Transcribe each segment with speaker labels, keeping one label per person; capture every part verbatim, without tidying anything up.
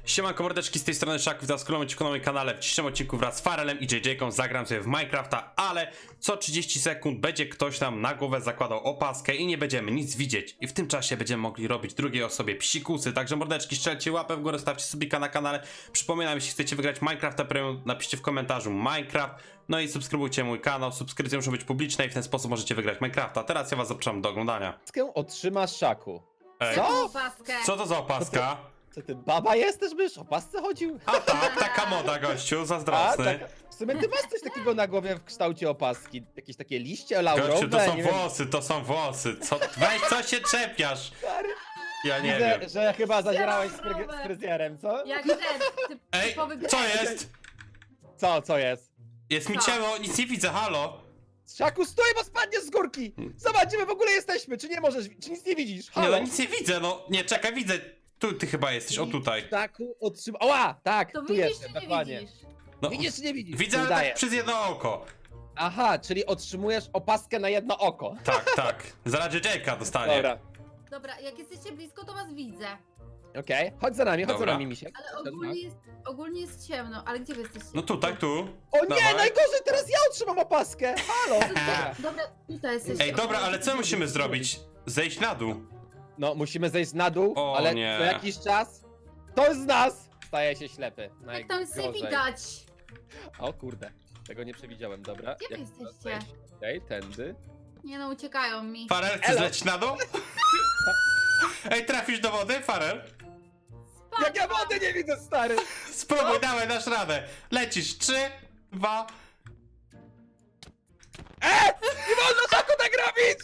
Speaker 1: Siemanko mordeczki, z tej strony Szaków, za skromnym odcinku na moim kanale. W dzisiejszym odcinku wraz z Farelem i J J-ką zagram sobie w Minecrafta, ale co trzydzieści sekund będzie ktoś nam na głowę zakładał opaskę i nie będziemy nic widzieć. I w tym czasie będziemy mogli robić drugiej osobie psikusy. Także mordeczki, strzelcie łapę w górę, stawcie subika na kanale. Przypominam, jeśli chcecie wygrać Minecrafta Premium, napiszcie w komentarzu Minecraft. No i subskrybujcie mój kanał, subskrypcja musi być publiczna i w ten sposób możecie wygrać Minecrafta. Teraz ja was zapraszam do oglądania.
Speaker 2: Opaskę otrzymasz Szaku.
Speaker 1: Ej,
Speaker 2: Co?
Speaker 3: Opaskę.
Speaker 1: co to za opaska?
Speaker 2: Co ty, baba jesteś, byś o pasce chodził?
Speaker 1: A tak, taka moda gościu,
Speaker 2: A,
Speaker 1: zazdrosny.
Speaker 2: tak. W sumie ty masz coś takiego na głowie w kształcie opaski. Jakieś takie liście laurowe,
Speaker 1: Gościu, to są
Speaker 2: nie wiem.
Speaker 1: włosy, to są włosy. Co, weź, co się czepiasz?
Speaker 2: Stary,
Speaker 1: Ja nie
Speaker 2: widzę,
Speaker 1: wiem.
Speaker 2: że chyba zadzierałeś z, fryg-
Speaker 3: Laurowe.
Speaker 2: z fryzjerem, co?
Speaker 3: Jak ten, ty,
Speaker 1: Ej,
Speaker 3: typowy
Speaker 1: co
Speaker 3: grek.
Speaker 1: jest?
Speaker 2: Co, co jest?
Speaker 1: Jest mi
Speaker 3: Co?
Speaker 1: ciemno, nic nie widzę, halo?
Speaker 2: Szaku, stój, bo spadniesz z górki! Zobacz, gdzie my w ogóle jesteśmy, czy nie możesz, czy nic nie widzisz?
Speaker 1: Nie,
Speaker 2: Halo?
Speaker 1: no nic nie widzę, no. Nie, czekaj, widzę. Tu ty chyba jesteś, o tutaj.
Speaker 2: Szaku, otrzyma... Oła, tak,
Speaker 3: To
Speaker 2: tu
Speaker 3: widzisz
Speaker 2: jestem,
Speaker 3: czy nie
Speaker 2: dokładnie.
Speaker 3: widzisz?
Speaker 1: No,
Speaker 2: Widzisz, czy nie widzisz?
Speaker 1: widzę, ale
Speaker 2: Udaję.
Speaker 1: tak przez jedno oko.
Speaker 2: Aha, czyli otrzymujesz opaskę na jedno oko.
Speaker 1: Tak, tak. Zaraz J J-ka dostanie.
Speaker 2: Dobra,
Speaker 3: Dobra, jak jesteście blisko, to was widzę.
Speaker 2: okej, chodź za nami, chodź
Speaker 1: Dobra.
Speaker 2: za nami, misiek.
Speaker 3: Ale ogólnie jest, ogólnie jest ciemno, ale gdzie wy jesteście?
Speaker 1: No tutaj, tu.
Speaker 2: O nie,
Speaker 1: Dawaj.
Speaker 2: najgorzej, teraz ja otrzymam opaskę! Halo! Dobra.
Speaker 3: Dobra, tutaj jesteście.
Speaker 1: Ej, dobra, ale co musimy zrobić? Zejść na dół.
Speaker 2: No, musimy zejść na dół,
Speaker 1: O,
Speaker 2: ale
Speaker 1: nie.
Speaker 2: co jakiś czas ktoś z nas staje się ślepy.
Speaker 3: Jak tam nic nie
Speaker 2: Najgorzej.
Speaker 3: widać.
Speaker 2: O kurde, tego nie przewidziałem, dobra.
Speaker 3: Gdzie wy
Speaker 2: Jak
Speaker 3: jesteście?
Speaker 2: zejść? Okej, tędy.
Speaker 3: Nie no, uciekają mi.
Speaker 1: Farel, chcesz
Speaker 2: Elo.
Speaker 1: lecieć na dół? Ej, trafisz do wody, Farel?
Speaker 2: Jak ja wody nie widzę, stary!
Speaker 1: Spróbuj, dawaj, dasz radę. Lecisz, trzy, dwa.
Speaker 2: E! Nie wolno taku tak robić!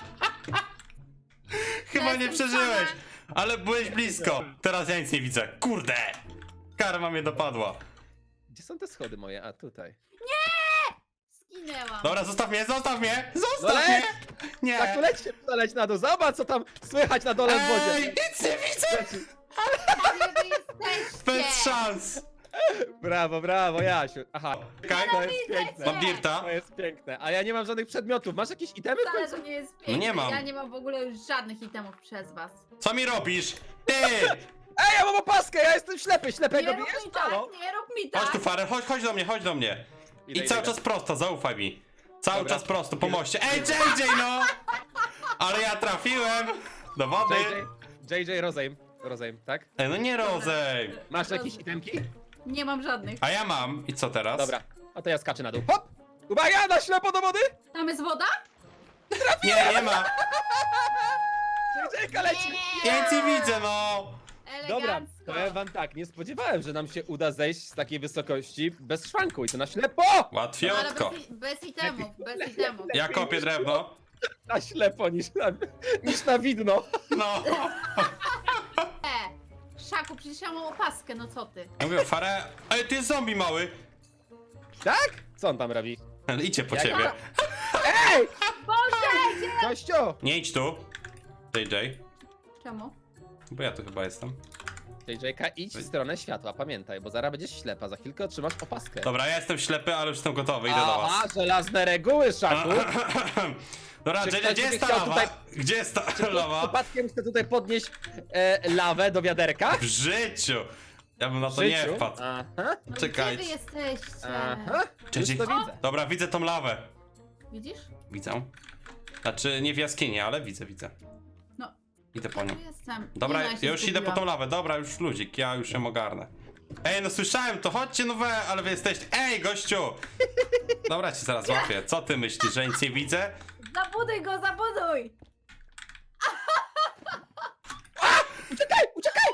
Speaker 1: Chyba nie
Speaker 3: Jestem
Speaker 1: przeżyłeś,
Speaker 3: sama.
Speaker 1: ale byłeś blisko. Teraz ja nic nie widzę. Kurde! Karma mnie dopadła.
Speaker 2: Gdzie są te schody moje? A, tutaj.
Speaker 3: Zginęłam.
Speaker 1: Dobra, zostaw mnie, zostaw mnie! Zostaw
Speaker 2: No leć!
Speaker 1: mnie! Nie!
Speaker 2: Tak, to leć się, leć na dół, zobacz co tam słychać na dole w
Speaker 1: Ej,
Speaker 2: wodzie.
Speaker 1: nic nie widzę!
Speaker 2: Leci.
Speaker 3: Gdzie wy jesteście?
Speaker 1: Bez szans!
Speaker 2: Brawo, brawo, Jasiu. Aha,
Speaker 1: Czekaj,
Speaker 2: to jest
Speaker 3: widzę
Speaker 2: piękne.
Speaker 1: mam dirta.
Speaker 2: To jest piękne, a ja nie mam żadnych przedmiotów. Masz jakieś itemy w
Speaker 3: Wcale
Speaker 2: końcu?
Speaker 3: to nie jest
Speaker 1: No nie
Speaker 3: piękne.
Speaker 1: mam.
Speaker 3: Ja nie mam w ogóle już żadnych itemów przez was.
Speaker 1: Co mi robisz? Ty!
Speaker 2: Ej, ja mam opaskę, ja jestem ślepy,
Speaker 3: Nie
Speaker 2: ślepego
Speaker 3: rób
Speaker 2: bijesz?
Speaker 3: mi tak,
Speaker 2: Halo?
Speaker 3: nie rób mi tak.
Speaker 1: Chodź tu, Farel, chodź, chodź do mnie, chodź do mnie.
Speaker 2: Idę,
Speaker 1: I cały
Speaker 2: idę.
Speaker 1: czas prosto, zaufaj mi. Cały
Speaker 2: Dobra.
Speaker 1: czas prosto, po moście. Ej, J J, no! Ale ja trafiłem! Do wody!
Speaker 2: J J, J J rozejm, rozejm, tak?
Speaker 1: Ej, no nie rozej!
Speaker 2: Masz jakieś itemki?
Speaker 3: Nie mam żadnych.
Speaker 1: A ja mam. I co teraz?
Speaker 2: Dobra, a to ja skaczę na dół. Hop! Uwaga, na ślepo do wody!
Speaker 3: Tam jest woda?
Speaker 1: Nie, nie ma.
Speaker 2: J J leci!
Speaker 1: Ja nic nie widzę, no!
Speaker 2: Dobra,
Speaker 3: Elegancko.
Speaker 2: powiem wam tak, nie spodziewałem, że nam się uda zejść z takiej wysokości bez szwanku i to na ślepo!
Speaker 3: No, ale
Speaker 1: Łatwiutko.
Speaker 3: bez, bez itemów, bez itemów.
Speaker 1: Ja kopię drewno.
Speaker 2: Na ślepo niż na, niż na widno.
Speaker 1: No.
Speaker 3: E, Szaku, przecież ja mam opaskę, no co ty?
Speaker 1: Ja mówię, Farę. Ej, ty jest zombie mały.
Speaker 2: Tak? Co on tam robi?
Speaker 1: Idzie po
Speaker 2: Jak-
Speaker 1: ciebie.
Speaker 2: Ej!
Speaker 3: Boże, gdzie?
Speaker 2: Gościu!
Speaker 1: Nie idź tu. J J.
Speaker 3: Czemu?
Speaker 1: Bo ja tu chyba jestem.
Speaker 2: J J, idź w stronę światła, pamiętaj, bo zaraz będziesz ślepa, za chwilkę otrzymasz opaskę.
Speaker 1: Dobra, ja jestem ślepy, ale już jestem gotowy, idę do
Speaker 2: Aha,
Speaker 1: was.
Speaker 2: żelazne reguły, Szaku!
Speaker 1: Dobra,
Speaker 2: Czy
Speaker 1: J J,
Speaker 2: ktoś
Speaker 1: gdzie
Speaker 2: by
Speaker 1: jest ta
Speaker 2: chciał
Speaker 1: lawa?
Speaker 2: tutaj-
Speaker 1: Gdzie jest ta
Speaker 2: Ktoś
Speaker 1: lawa?
Speaker 2: przypadkiem chce tutaj podnieść e, lawę do wiaderka?
Speaker 1: W życiu! Ja bym na
Speaker 2: W
Speaker 1: to nie
Speaker 2: życiu?
Speaker 1: wpadł.
Speaker 2: Aha,
Speaker 3: No
Speaker 1: Czekajcie.
Speaker 3: gdzie wy jesteście?
Speaker 2: aha,
Speaker 1: Cześć.
Speaker 2: już to widzę.
Speaker 1: Dobra, widzę tą lawę.
Speaker 3: Widzisz?
Speaker 1: Widzę. Znaczy, nie w jaskini, ale widzę, widzę.
Speaker 3: No.
Speaker 1: Idę po nią.
Speaker 3: Tu jestem.
Speaker 1: Dobra,
Speaker 3: Nie, no,
Speaker 1: ja
Speaker 3: się
Speaker 1: już idę po tą
Speaker 3: zgubiłam.
Speaker 1: lawę. Dobra, już ludzik, ja już ją ogarnę. Ej, no słyszałem to, chodźcie no we, ale wy jesteście... Ej, gościu! Dobra, cię zaraz złapię. Co ty myślisz, że nic nie widzę?
Speaker 3: Zabuduj go, zabuduj!
Speaker 2: Uciekaj, uciekaj!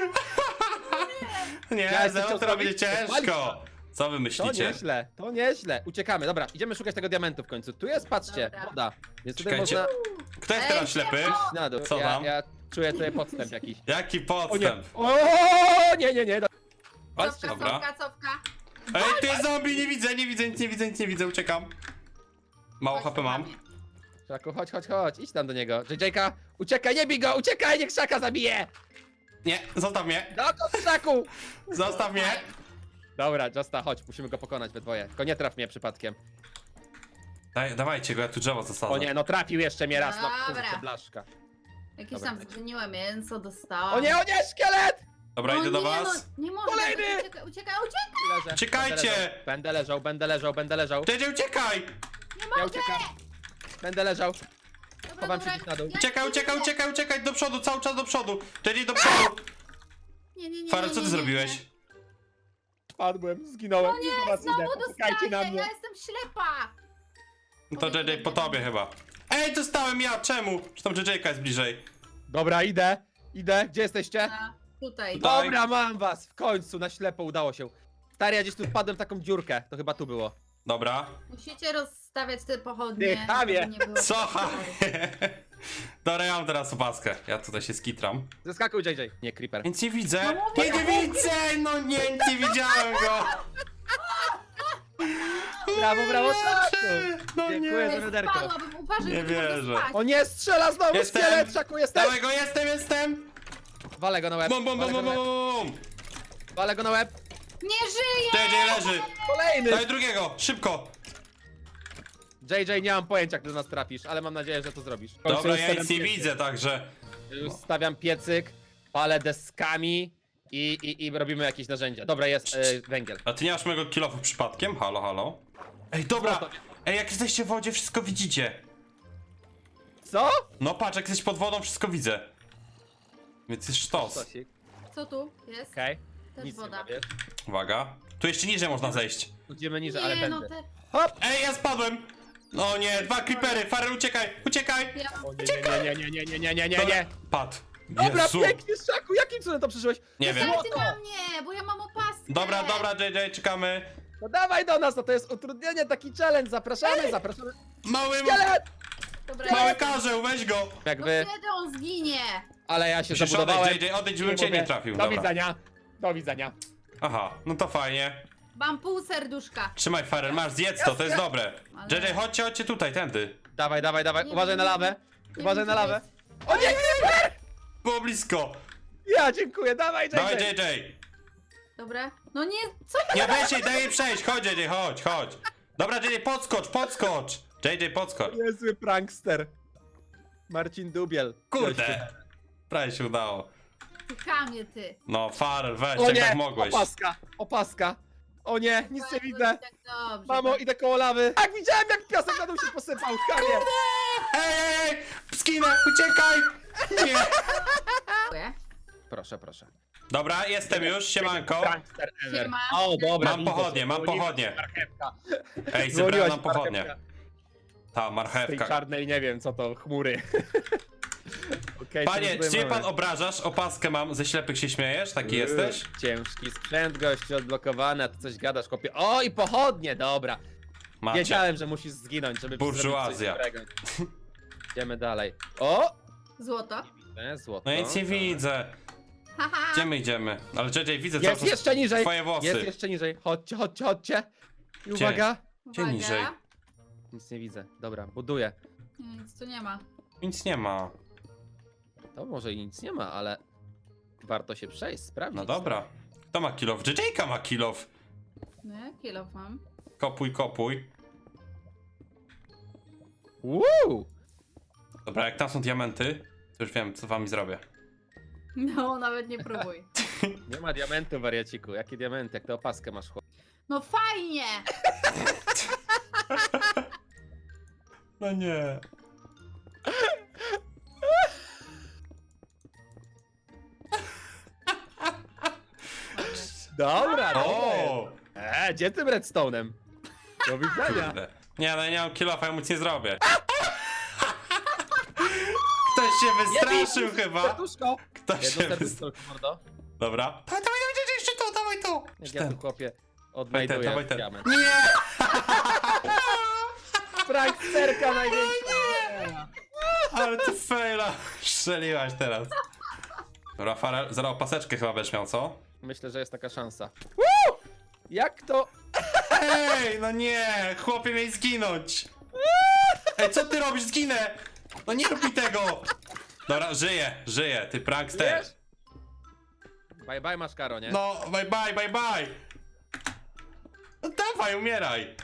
Speaker 1: Nie,
Speaker 2: Ja
Speaker 1: ze mną
Speaker 2: chciał
Speaker 1: to będzie
Speaker 2: zrobić-
Speaker 1: ciężko. Co wy
Speaker 2: To
Speaker 1: myślicie?
Speaker 2: nieźle, to nieźle. Uciekamy, dobra, idziemy szukać tego diamentu w końcu. Tu jest, patrzcie,
Speaker 3: Dobra.
Speaker 2: woda. Więc tutaj
Speaker 1: Czekajcie.
Speaker 2: można
Speaker 1: Kto jest
Speaker 3: Ej,
Speaker 1: teraz ślepy?
Speaker 3: siema!
Speaker 2: iść na dół.
Speaker 1: Co
Speaker 2: ja,
Speaker 1: tam?
Speaker 2: ja czuję tutaj podstęp jakiś.
Speaker 1: Jaki
Speaker 2: O nie,
Speaker 1: podstęp?
Speaker 2: o nie, nie, nie. do-
Speaker 3: Cofka,
Speaker 1: dobra.
Speaker 3: cofka, cofka.
Speaker 1: Ej, ty jest zombie, nie widzę, nie widzę, nic nie widzę, nic nie widzę, uciekam. Mało
Speaker 3: Chodź
Speaker 1: H P
Speaker 3: tu na
Speaker 1: mam.
Speaker 3: mnie.
Speaker 2: Szaku, chodź, chodź, chodź, idź tam do niego. J J, uciekaj, nie bij go, uciekaj, niech Szaka zabije!
Speaker 1: Nie, zostaw mnie,
Speaker 2: Dokąd, Szaku?
Speaker 1: zostaw mnie.
Speaker 2: Dobra, Justa, chodź, musimy go pokonać we dwoje. Tylko nie traf mnie przypadkiem.
Speaker 1: Daj, dawajcie go, ja tu drzewo zasadzę.
Speaker 2: O nie, no trafił jeszcze mnie raz, no
Speaker 3: Dobra.
Speaker 2: kurczę, blaszka.
Speaker 3: Jakieś
Speaker 2: Dobra.
Speaker 3: tam zgniłe mięso dostałam.
Speaker 2: O nie, o nie, szkielet!
Speaker 1: Dobra,
Speaker 3: no
Speaker 1: idę do
Speaker 3: nie,
Speaker 1: was.
Speaker 3: No, nie
Speaker 2: Kolejny!
Speaker 3: Uciekaj, uciekaj, uciekaj!
Speaker 2: Leżę.
Speaker 1: Uciekajcie!
Speaker 2: Będę leżał, będę leżał, będę leżał.
Speaker 1: J J, uciekaj!
Speaker 3: Nie
Speaker 2: Ja
Speaker 3: mogę!
Speaker 2: uciekam. Będę leżał.
Speaker 3: Dobra,
Speaker 2: Chowam się
Speaker 3: dobra,
Speaker 2: gdzieś na dół.
Speaker 3: ja
Speaker 1: Uciekaj,
Speaker 3: nie
Speaker 1: uciekaj,
Speaker 3: widzę.
Speaker 1: uciekaj, uciekaj, do przodu, cały czas do przodu! J J, do przodu!
Speaker 3: Nie, nie, nie,
Speaker 1: Farel,
Speaker 3: nie,
Speaker 1: co
Speaker 3: nie,
Speaker 1: ty
Speaker 3: nie,
Speaker 1: zrobiłeś?
Speaker 3: nie.
Speaker 2: Spadłem, zginąłem.
Speaker 3: O nie,
Speaker 2: do was
Speaker 3: znowu
Speaker 2: idę. Czekajcie na
Speaker 3: dostaję,
Speaker 2: mnie.
Speaker 3: ja jestem ślepa!
Speaker 1: No to J J po tobie chyba. Ej, dostałem ja, czemu? Czy tam J J jest bliżej?
Speaker 2: Dobra, idę. Idę. Gdzie jesteście?
Speaker 3: A, tutaj.
Speaker 1: Tutaj.
Speaker 2: Dobra, mam was. W końcu, na ślepo udało się. Stary, ja gdzieś tu wpadłem w taką dziurkę. To chyba tu było.
Speaker 1: Dobra.
Speaker 3: Musicie rozstawiać te pochodnie.
Speaker 2: Ty, chamie.
Speaker 3: żeby nie było
Speaker 1: Co?
Speaker 3: przeporu.
Speaker 1: Dobra, ja mam teraz opaskę. Ja tutaj się skitram.
Speaker 2: Zeskakuj, J J. Nie, Creeper.
Speaker 1: Nic nie widzę.
Speaker 3: No mówię,
Speaker 1: Nie, nie widzę! No nie, nie widziałem go!
Speaker 2: Brawo, brawo, Szaku.
Speaker 1: No
Speaker 2: Dziękuję za
Speaker 3: Ej,
Speaker 2: wiaderko.
Speaker 3: spadłabym, uważaj,
Speaker 1: Nie
Speaker 3: bo ty możesz
Speaker 1: wierzę.
Speaker 3: spaść.
Speaker 2: O nie, strzela znowu
Speaker 1: Jestem.
Speaker 2: szkielet, Szaku, jestem.
Speaker 1: Dawaj go, jestem, jestem!
Speaker 2: Walę go na łeb.
Speaker 1: Bum, bum, bum,
Speaker 2: walę,
Speaker 1: bum,
Speaker 2: go na łeb.
Speaker 1: bum!
Speaker 2: walę go na łeb.
Speaker 3: Nie żyje!
Speaker 1: J J leży!
Speaker 2: Kolejny.
Speaker 1: Daj drugiego, szybko!
Speaker 2: J J, nie mam pojęcia, jak do nas trafisz, ale mam nadzieję, że to zrobisz. W końcu
Speaker 1: Dobra,
Speaker 2: już
Speaker 1: ja
Speaker 2: stawiam
Speaker 1: nic nie
Speaker 2: piecyk.
Speaker 1: widzę, także...
Speaker 2: Już stawiam piecyk, palę deskami i, i, i robimy jakieś narzędzia. Dobra, jest e, węgiel.
Speaker 1: A ty nie masz mojego kilofu przypadkiem? Halo, halo? Ej, dobra!
Speaker 2: Co to?
Speaker 1: Ej, jak jesteście w wodzie, wszystko widzicie.
Speaker 2: Co?
Speaker 1: No patrz, jak jesteś pod wodą, wszystko widzę. Więc jest sztos.
Speaker 2: Stosik.
Speaker 3: Co tu jest?
Speaker 2: Okej.
Speaker 3: Też
Speaker 2: Nic nie
Speaker 3: woda.
Speaker 2: ma, wiesz?
Speaker 1: Uwaga. Tu jeszcze niżej można zejść.
Speaker 2: Idziemy niżej, ale
Speaker 3: Nie, no
Speaker 2: będę.
Speaker 3: te...
Speaker 2: Hop!
Speaker 1: Ej, ja spadłem! No nie, dwa creepery, Farel, uciekaj, uciekaj!
Speaker 3: Ja...
Speaker 2: O nie, nie, nie, nie, nie, nie, nie, nie,
Speaker 1: Dobra,
Speaker 2: nie.
Speaker 1: Padł.
Speaker 2: Dobra,
Speaker 1: Jezu.
Speaker 2: pięknie, Szaku, jakim cudem to przeżyłeś?
Speaker 1: Nie wiem.
Speaker 3: Dajcie na mnie, bo ja mam opaskę.
Speaker 1: Dobra, dobra, J J, czekamy.
Speaker 2: No dawaj do nas, no to jest utrudnienie, taki challenge, zapraszamy, zapraszamy.
Speaker 1: Mały,
Speaker 2: Szkielet!
Speaker 3: Dobra,
Speaker 1: mały karzeł, weź go!
Speaker 3: no
Speaker 2: Jakby,
Speaker 3: kiedy on zginie?
Speaker 2: ale ja się
Speaker 1: Musisz
Speaker 2: zabudowałem.
Speaker 1: odejść, J J, odejdź, żebym cię
Speaker 2: mówię,
Speaker 1: nie trafił,
Speaker 2: Do
Speaker 1: dobra.
Speaker 2: widzenia, do widzenia.
Speaker 1: Aha, no to fajnie.
Speaker 3: Mam pół serduszka.
Speaker 1: Trzymaj, Farel, masz, zjedz to, to jest dobre.
Speaker 3: Ale-
Speaker 1: J J, chodźcie, chodźcie tutaj, tędy.
Speaker 2: Dawaj, dawaj, dawaj,
Speaker 3: Nie
Speaker 2: uważaj
Speaker 3: wiem,
Speaker 2: na
Speaker 3: nie
Speaker 2: lawę.
Speaker 3: wiem.
Speaker 2: Uważaj
Speaker 3: Nie
Speaker 2: na
Speaker 3: wiem, co
Speaker 2: lawę.
Speaker 3: to
Speaker 2: O nie, Creeper!
Speaker 1: Było blisko.
Speaker 2: Ja dziękuję, dawaj, J
Speaker 1: Dawaj,
Speaker 2: J.
Speaker 1: J J.
Speaker 3: Dobra. No nie, co?
Speaker 1: Nie weź jej, daj jej przejść, chodź, J J, chodź, chodź. Dobra, J J, podskocz, podskocz. J J, podskocz.
Speaker 2: Niezły prankster. Marcin Dubiel.
Speaker 1: Kurde. Prawie się udało.
Speaker 3: Ty chamie, ty.
Speaker 1: No, Farel, weź,
Speaker 2: O
Speaker 1: jak
Speaker 2: nie,
Speaker 1: tak mogłeś.
Speaker 2: opaska, opaska. O nie, nic nie widzę.
Speaker 3: Tak dobrze.
Speaker 2: Mamo, idę koło lawy. Tak, widziałem jak piasek na dół się posypał, chamie.
Speaker 1: Ej, ej, ej, skinę, uciekaj. Nie.
Speaker 3: Dziękuję.
Speaker 2: Proszę, proszę.
Speaker 1: Dobra, jestem już, siemanko.
Speaker 2: Prankster ever.
Speaker 3: Siema.
Speaker 2: O, dobra.
Speaker 1: Mam
Speaker 2: widzę
Speaker 1: pochodnie,
Speaker 2: cię.
Speaker 1: mam
Speaker 2: Dzwoniła
Speaker 1: pochodnie.
Speaker 2: ci marchewka.
Speaker 1: Ej,
Speaker 2: Dzwoniła
Speaker 1: zebrałem
Speaker 2: ci
Speaker 1: nam pochodnie.
Speaker 2: marchewka.
Speaker 1: Ta,
Speaker 2: Z tej
Speaker 1: marchewka.
Speaker 2: czarnej, nie wiem co to, chmury. Okay,
Speaker 1: Panie, czy mnie pan obrażasz? Opaskę mam, ze ślepych się śmiejesz? Taki jesteś?
Speaker 2: Ciężki sprzęt, gościu, odblokowany, a ty coś gadasz, chłopie. O, i pochodnie, dobra.
Speaker 1: Macie.
Speaker 2: Wiedziałem, że musisz zginąć, żeby
Speaker 1: Burżuazja.
Speaker 2: zrobić coś dobrego. Idziemy dalej. O!
Speaker 3: Złoto.
Speaker 2: E, złoto.
Speaker 1: No nic nie widzę.
Speaker 3: Haha.
Speaker 1: Gdzie my idziemy? Ale J J, widzę cały
Speaker 2: Jest
Speaker 1: czas
Speaker 2: jeszcze niżej!
Speaker 1: twoje włosy.
Speaker 2: Jest jeszcze niżej. Chodźcie, chodźcie, chodźcie. I
Speaker 1: Gdzie?
Speaker 2: uwaga.
Speaker 1: Gdzie
Speaker 3: Uwaga.
Speaker 1: niżej?
Speaker 2: Nic nie widzę. Dobra, buduję.
Speaker 3: Nie, nic tu nie ma.
Speaker 1: Nic nie ma.
Speaker 2: To może i nic nie ma, ale warto się przejść, sprawdzić.
Speaker 1: No dobra. Kto ma kilof? J J ma kilof.
Speaker 3: No ja kilof mam.
Speaker 1: Kopuj, kopuj.
Speaker 2: Woo!
Speaker 1: Dobra, jak tam są diamenty, to już wiem, co wami zrobię.
Speaker 3: No, nawet nie próbuj.
Speaker 2: Nie ma diamentu, wariaciku. Jakie diamenty? Jak tę opaskę masz, chłop?
Speaker 3: No fajnie!
Speaker 1: No nie.
Speaker 2: Dobra, dobra.
Speaker 1: O!
Speaker 2: Eee, gdzie tym redstone'em? Do widzenia.
Speaker 1: Kurde. Nie, no ja nie mam kilofa, ja nic nie zrobię. Ktoś się wystraszył chyba.
Speaker 2: Serduszko.
Speaker 1: Ktoś
Speaker 2: Jedno
Speaker 1: się wystraszył.
Speaker 2: serduszko, mordo.
Speaker 1: Dobra. Dawaj, dawaj, dawaj, jeszcze tu, dawaj tu.
Speaker 2: Jak ja tu, chłopie,
Speaker 1: Dawaj ten,
Speaker 2: odnajduję
Speaker 1: dawaj ten.
Speaker 2: diament.
Speaker 1: Nie!
Speaker 2: Pranksterka największa.
Speaker 1: Ale ty faila. Strzeliłaś teraz. Dobra, Farel, zaraz opaseczkę chyba będziesz miał, co?
Speaker 2: Myślę, że jest taka szansa. Woo! Jak to?
Speaker 1: Ej, no nie! Chłopie miej zginąć! Ej, co ty robisz? Zginę! No nie rób mi tego! Dobra, żyję, żyję, ty prankster.
Speaker 2: Wiesz? Bye bye, masz karo, nie?
Speaker 1: No, bye bye, bye bye! No dawaj, umieraj!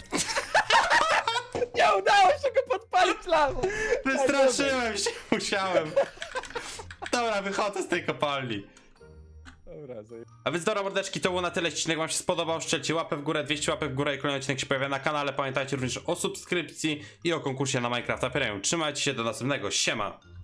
Speaker 2: Nie udało się go podpalić lawą.
Speaker 1: Wystraszyłem się, musiałem. Dobra, wychodzę z tej kopalni.
Speaker 2: Dobra, zaje...
Speaker 1: A więc dobra mordeczki, to było na tyle. Odcinek wam się spodobał, strzelcie łapę w górę, dwieście łapek w górę i kolejny odcinek się pojawia na kanale. Pamiętajcie również o subskrypcji i o konkursie na Minecrafta Premium. Trzymajcie się, do następnego, siema!